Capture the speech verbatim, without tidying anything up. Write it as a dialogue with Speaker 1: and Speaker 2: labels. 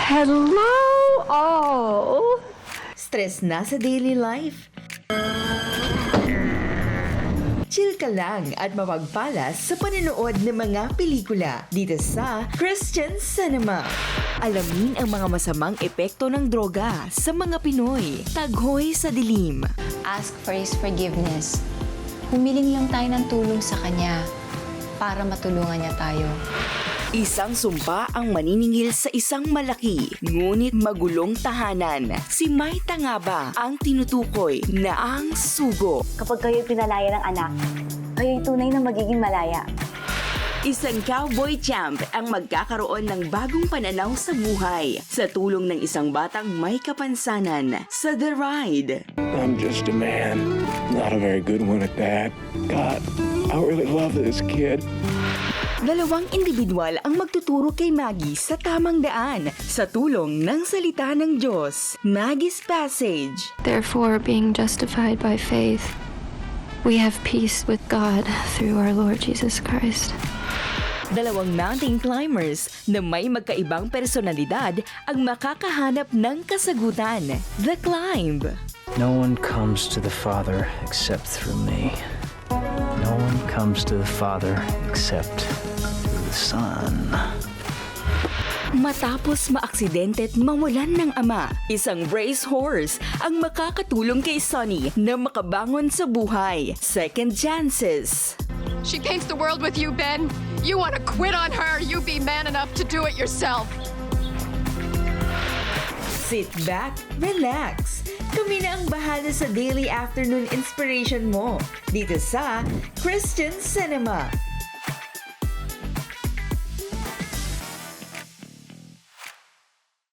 Speaker 1: Hello all!
Speaker 2: Stress na sa daily life? Chill ka lang at mapagpalas sa panonood ng mga pelikula dito sa Christian Cinema. Alamin ang mga masamang epekto ng droga sa mga Pinoy. Taghoy sa dilim.
Speaker 3: Ask for His forgiveness. Humiling lang tayo ng tulong sa Kanya para matulungan niya tayo.
Speaker 2: Isang sumpa ang maniningil sa isang malaki, ngunit magulong tahanan. Si Maita nga ba ang tinutukoy na ang sugo?
Speaker 4: Kapag kayo'y pinalaya ng anak, kayo'y tunay na magiging malaya.
Speaker 2: Isang cowboy champ ang magkakaroon ng bagong pananaw sa buhay sa tulong ng isang batang may kapansanan sa The Ride.
Speaker 5: I'm just a man, not a very good one at that. God, I really love this kid.
Speaker 2: Dalawang individual ang magtuturo kay Maggie sa tamang daan sa tulong ng salita ng Diyos. Maggie's Passage.
Speaker 1: Therefore, being justified by faith, we have peace with God through our Lord Jesus Christ.
Speaker 2: Dalawang mountain climbers na may magkaibang personalidad ang makakahanap ng kasagutan. The Climb.
Speaker 6: No one comes to the Father except through me. No one comes to the Father except through the Son.
Speaker 2: Matapos maaksidente at mawalan ng ama, isang racehorse ang makakatulong kay Sonny na makabangon sa buhay. Second chances.
Speaker 7: She paints the world with you, Ben. You want to quit on her, you be man enough to do it yourself.
Speaker 2: Sit back, relax. Kami na ang bahala sa daily afternoon inspiration mo dito sa Christian Cinema.